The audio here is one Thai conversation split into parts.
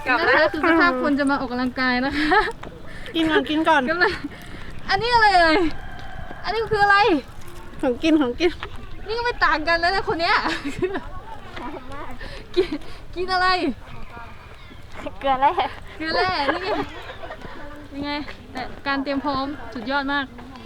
กลับแล้วคือสภาพคนจะมาออกกำลังกายนะคะกินก่อนกินก่อนก็เลยอันนี้อะไรเอ่ยอันนี้คืออะไรของกินของกินนี่ก็ไม่ต่างกันแล้วนะคนเนี้ยกินอะไรเกลือแร่เกลือแร่นี่ไงยังไงแต่การเตรียมพร้อมสุดยอดมาก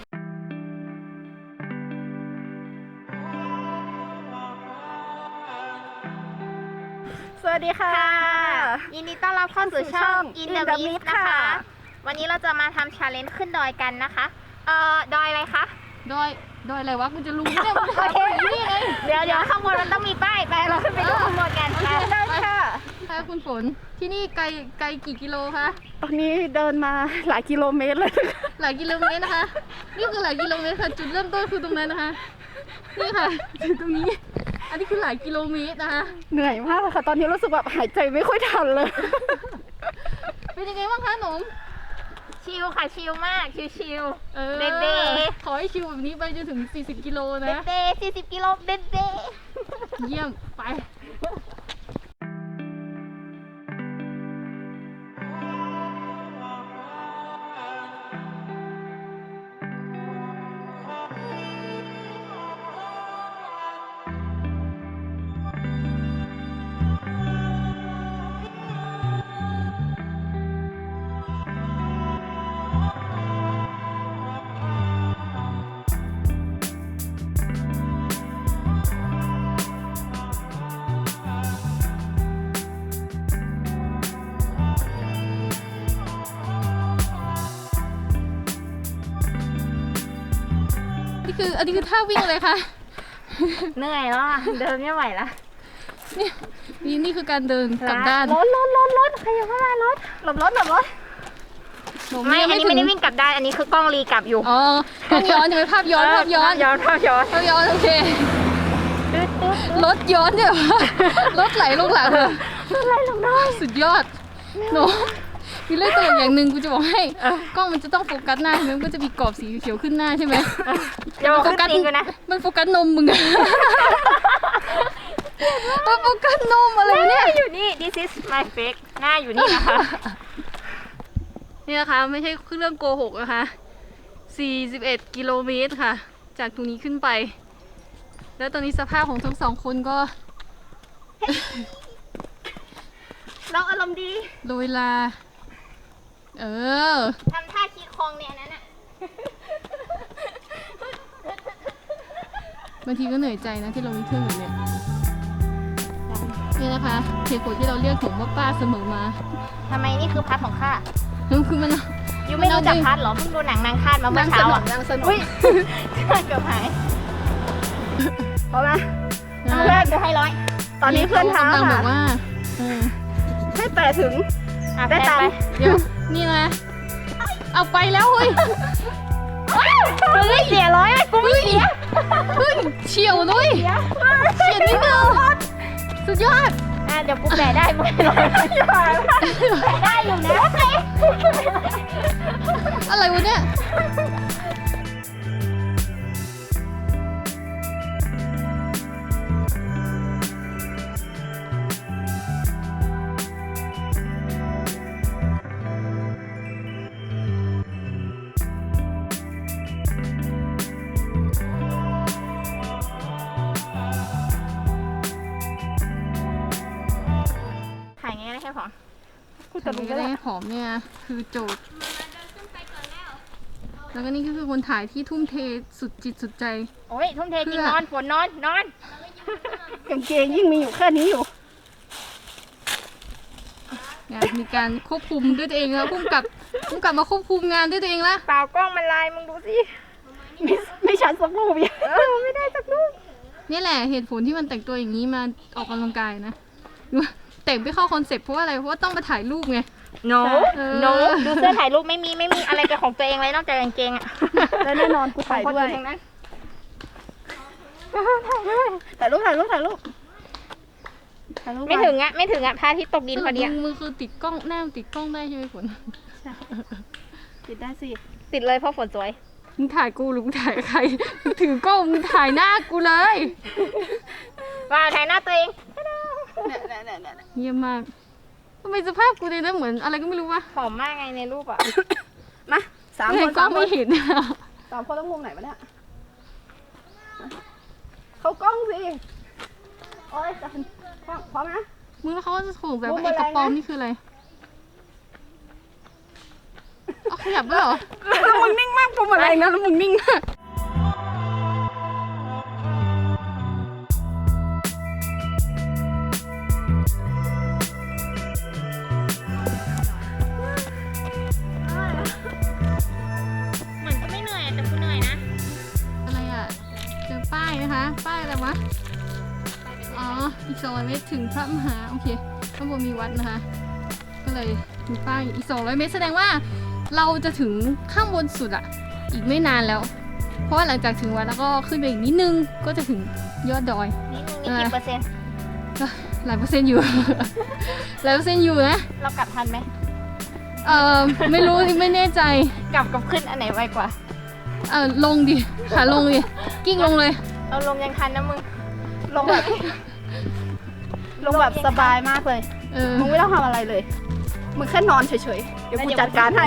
สวัสดีค่ะยินดีต้อนรับเข้าสู่ช่อง In the Mist ค่ะนะคะ วันนี้เราจะมาทำ challenge ขึ้นดอยกันนะคะดอยอะไรคะดอยอะไรวะกูจะรู้เนี่ยมึงโอถามเคกูอย่างนี่ไงเดี๋ยวข้างบนมันต้องมีป้ายไปเราขึ้นไปดูข้างบนกันค่ะได้ค่ะค่ะคุณฝนที่นี่ไกลกี่กิโลคะตอนนี้เดินมาหลายกิโลเมตรเลยหลายกิโลเมตรนะคะนี่คือหลายกิโลเมตรค่ะจุดเริ่มต้นคือตรงนั้นนะคะนี่ค่ะจุดตรงนี้ อันนี้คือหลายกิโลเมตรนะคะเหนื่อยมากเลยค่ะ ตอนนี้รู้สึกแบบหายใจไม่ค่อยทันเลยเป็นยังไงบ้างคะหนุ่มชิลค่ะชิลมากชิล เบขอให้ชิวแบบนี้ไปจนถึง40กิโลเบนะเบ40 กิโลเบเบเยี่ยมไปอันนี้คือท่าวิ่งเลยค่ะเหนื่อยแล้วอะเดินไม่ไหวละนี่คือการเดินกลับด้านรถใครยังเข้ามารถหลบรถหนูไม่อันนี้ไม่ได้วิ่งกลับได้อันนี้คือกล้องรีกลับอยู่อ๋อต้องย้อนใช่ไหมภาพย้อนภาพย้อนย้อนภาพย้อนโอเครถย้อนเนี่ยรถไหลลงหลังเลยอะไรลงได้สุดยอดหนูมีเรื่องตลกอย่างหนึ่งกูจะบอกให้กล้องมันจะต้องโฟกัสหน้าใช่ไหมมันก็จะมีกรอบสีเขียวขึ้นหน้าใช่ไหมเดี๋ยวโฟกัสจริงกันนะมันโฟกัสนมมึงอะมันโฟกัสนมอะไรวะเนี่ยอยู่นี่ this is my fake หน้าอยู่นี่นะคะนี่นะคะไม่ใช่เรื่องโกหกนะคะ41กิโลเมตรค่ะ จากตรงนี้ขึ้นไป แล้วตอนนี้สภาพของทั้งสองคนก็เราอารมณ์ดีโดยลาเออทำท่าขี้คองเนี่ยนั่นน่ะบางทีก็เหนื่อยใจนะที่เรามีเครื่องแบบเนี้ยนี่นะคะเหตุผลที่เราเรียกผมว่าป้าเสมอมาทำไมนี่คือพัดของข้าคือมันยูไม่รู้จักพัดเหรอเพิ่งดูหนังนางคาดมาเมื่อเช้าอ่ะนางสนุกอุ้ยเกือบหายเอาละเพื่อนจะให้ร้อยตอนนี้เพื่อนท้าำลังบค่ะอกว่าเออให้แต่ถึงได้ตามเดี๋ยวนี่นะเอาไปแล้วเฮ้ยเฮ้ยเสียร้อยกูไม่เสียเฮ้ยเฉียวด้วยเฉียดนิดเดียวสุดยอดเดี๋ยวกูแบได้ไหมร้อยได้อยู่นะอะไรวะเนี่ยถ่ายไงได้แค่พอกูแต่จะรู้ก็ก็ได้ได้หอมเนี่ยคือโจทย์ แล้วก็นี่ก็คือคนถ่ายที่ทุ่มเทสุดจิตสุดใจโอ้ยทุ่มเทจริงนอนฝนนอนกางเกงยิ่งมีอยู่แค่นี้อยู่มีการควบคุมด้วยตัวเองแล้วพุ่มกับมาควบคุมงานด้วยตัวเองละเปล่ากล้องมันลายมึงดูสิไม่ชันสักรูปยังไม่ได้สักรูปนี่แหละเหตุผลที่มันแต่งตัวอย่างนี้มาออกกำลังกายนะแต่งไม่เข้าคอนเซ็ปต์เพราะว่าอะไรเพราะว่าต้องมาถ่ายรูปไง no เออ no ดูเสื้อถ่ายรูปไม่มีอะไรเป็นของตัวเองเลยนอกจากกางเกงอ่ะและแน่นอนกูถ่ายด้วยทั้งนั้นถ่ายรูปไม่ถึงอ่ะพระอาทิตย์ตกดินพอดีมึงคือติดกล้องหน้าติดกล้องได้ใช่ไหมฝนติดได้สิติดเลยเพราะฝนสวยมึงถ่ายกูหรือมึงถ่ายใครมึงถือกล้องมึงถ่ายหน้ากูเลยว่าถ่ายหน้าตัวเองเนี่ยเยี่ยมมากทำไมสภาพกูเนี่ยนะเหมือนอะไรก็ไม่รู้วะผอมมากไงในรูปอ่ะมาสามในคนกล้อสาง มคไม่นเห็นสามคนต้องมุมไหนวะเนี่ยเข้ากล้องสิโอ๊ยจะพร้อมนะมึงแล้วเขาก็จะถูกแบบมุมไอ้กระป๋อมอะไรนะนี่คืออะไรเอาขยับด้วยเหรอแล้วมึงนิ่งมากมุมอะไรนะแล้วมึงนิ่งมากเหมือนจะไม่เหนื่อยแต่กูเหนื่อยนะอะไรอ่ะเจอป้ายนะคะ ป้ายอะไรวะ อ๋อ อีก200 เมตรถึงพระมหา โอเค ข้างบนมีวัดนะคะ ก็เลยมีป้ายอีก200 เมตรแสดงว่าเราจะถึงข้างบนสุดอ่ะ อีกไม่นานแล้ว เพราะว่าหลังจากถึงวัดแล้วก็ขึ้นไปอีกนิดนึง ก็จะถึงยอดดอยนี่มึงนี่กี่เปอร์เซ็นต์ก็หลายเปอร์เซ็นต์อยู่ หลายเปอร์เซ็นต์อยู่นะเรากลับทันไหมไม่รู้ไม่แน่ใจกลับกับขึ้นอันไหนไวกว่าลงดิ ขาลงดิ กิ้งลงเลยเราลงยังทันนะมึงลงแบบลงแบบสบายมากเลย มึงไม่ต้องทำอะไรเลย มึงแค่นอนเฉยๆ เดี๋ยวกูจัดการให้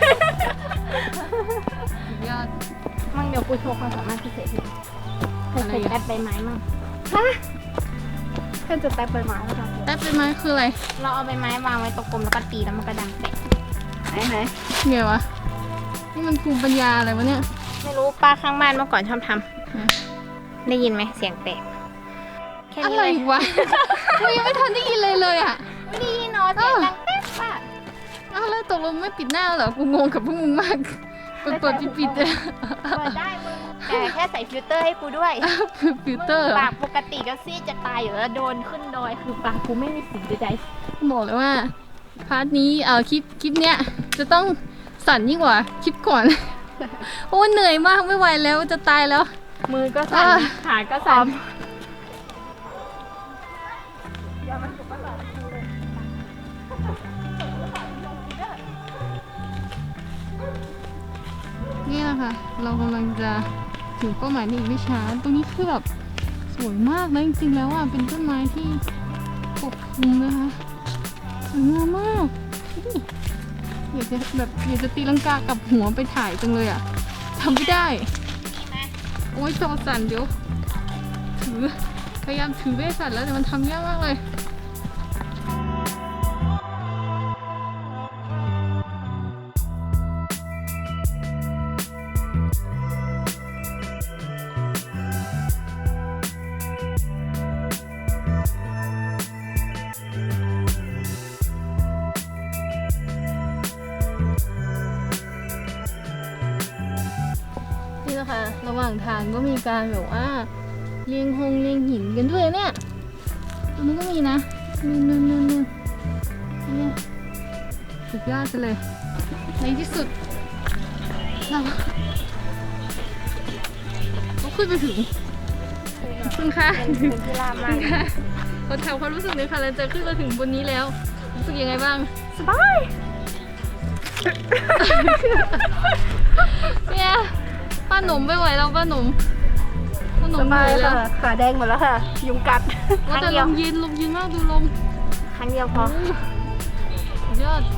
ยอดมั่งเดี๋ยวกูโชว์ความสามารถพิเศษให้เคยอะไรเคยอ่ะแต้ใบไม้มั่งเพื่อนจะแตะใบไม้แล้วกันแป๊บเป็นไหมคืออะไรเราเอาใบไม้วางไว้ตรงกลมแล้วก็ตีแล้วมันก็ดังแตกไหนไงวะ นี่มันภูมิปัญญาอะไรวะเนี่ยไม่รู้ป้าข้างบ้านเมื่อก่อนชอบทอืมำได้ยินไหมเสียงแตกแค่อะนี้ไรเลยวะ กูยังไม่ทันได้ยินเลยเลยอ่ะไม่ได้ยินเนาะเสียงดังแป๊บป่ะอ้าวแล้วตกลงไม่ปิดหน้าเหรอ กูงงกับพวกมึงมาก เปิดปิดเลยเปิดได้มึงแต่แค่ใส่ฟิลเตอร์ให้กูด้วยคือฟิลเตอร์เหรอปากปกติก็ซีดจะตายอยู่แล้วโดนขึ้นดอยคือปากกูไม่มีสีใดบอกเลยว่า พาร์ทนี้คลิปเนี้ยจะต้องสั่นยิ่งกว่าคลิปก่อน โอ้เหนื่อยมากไม่ไหวแล้วจะตายแล้วๆมือก็สั่นอ่ะขาก็สั่นนี่แหละค่ะ เรากำลังจะถึงเป้าหมายในอีกไม่ช้า ตรงนี้คือแบบสวยมากนะจริงๆแล้วอ่ะ เป็นต้นไม้ที่ปกคลุมนะคะสวยงามมากดูดิอยากจะตีลังกากับหัวไปถ่ายจังเลยอ่ะทำไม่ได้ โอ้ยจอสั่นเดี๋ยว พยายามถือเวสสั่นแล้วแต่มันทำยากมากเลย นี่แหละค่ะ ระหว่างทางก็มีการแบบว่าเรียงหินกันด้วยเนี่ย ตรงนี้ก็มีนะนู่นเนี่ยสุดยอดไปเลย ในที่สุด เราก็ขึ้นไปถึงขอบคุณค่ะเป็นที่ลาบมากขอถามความรู้สึกหน่อยค่ะหลังจากขึ้นมาถึงบนนี้แล้ว รู้สึกยังไงบ้างสบายเนี่ยป้าหนุ่มไม่ไหวแล้วป้าหนุ่มเหสนื่บาอย ยแล้ค่ะวขาแดงหมดแล้วค่ะ ยุงกัดว่าแต่ลมเย็นมากดูลมครั้งเดียวพอสุดยอด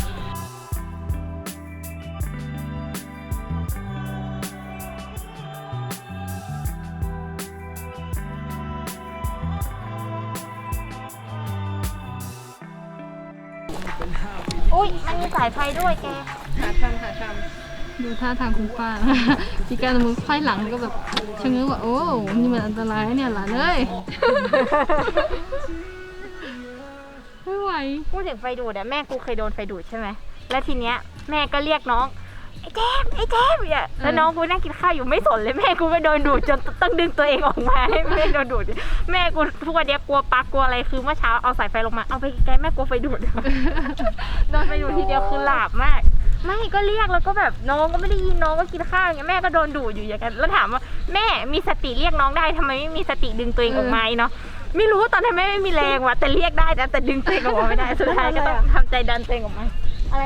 อุ้ยมันมีสายไฟด้วยแกดูท่าทางคุณป้านะคะมีการเอามือไขว้หลังก็แบบชะเง้อว่าโอ้นี่มันอันตรายนะเนี่ยหลานเอ้ย ไม่ไหวพูดถึงไฟดูดอะแม่กูเคยโดนไฟดูดใช่ไหม แล้วทีเนี้ยแม่ก็เรียกน้อง ไอ้แจมเนี่ยแล้วน้องกูนั่งกินข้าวอยู่ไม่สนเลยแม่กูก็โดนดูดจนต้องดึงตัวเองออกมาให้แม่โดนดูด แม่กูทุกวันเนี้ยกลัวปลั๊กกลัวอะไรคือเมื่อเช้าเอาสายไฟลงมาเอาไปไกลแม่กลัวไฟดูด โดนไฟดูดทีเดียวคือหลาบมาก ไม่ก็เรียกแล้วก็แบบน้องก็ไม่ได้ยินน้องก็กินข้าวอย่างเงี้ยแม่ก็โดนดูดอยู่อย่างนั้นแล้วถามว่าแม่มีสติเรียกน้องได้ทำไมไม่มีสติดึงตัวเองออกมาเนาะไม่รู้ตอนนั้นแม่ไม่มีแรงว่ะแต่เรียกได้นะแต่ดึงตัวเองออกมาไม่ได้สุดท้ายก็ต้องทำใจดันตัวเองออกมาอะไร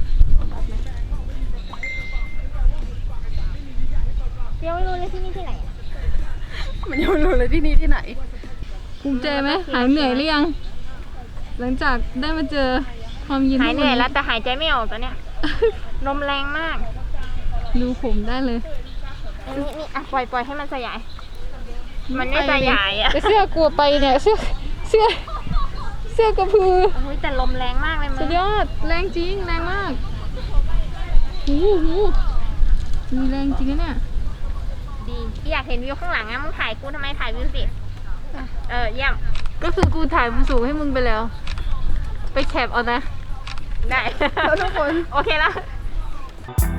เดี๋ยวไม่รู้เลยที่นี่ที่ไหนอะมันยังไม่รู้เลยที่นี่ที่ไหนภูมิใจไหมหายเหนื่อยหรือยัง หลังจากได้มาเจอความเย็นหายเหนื่อยทุกแล้วแต่หายใจไม่ออกตอนเนี้ย ลมแรงมากดูผมได้เลยนี่อ่ะปล่อยให้มันสยาย มันไม่สยายอ่ะแต่เสื้อกลัวไปเนี่ยเสื้อกระพือโอ้ยแต่ลมแรงมากเลยมึสุงดยอดแรงจริงแรงมากโอ้โหมีแรงจริงนะเนี่ยดีที่อยากเห็นวิวข้างหลังอะมึงถ่ายกูทำไมถ่ายวิวสิ เยี่ยมก็คือกูถ่ายมุมสูงให้มึงไปแล้ว ไปแคปเอานะได้แล้วทุกคนโอเคแล้วเ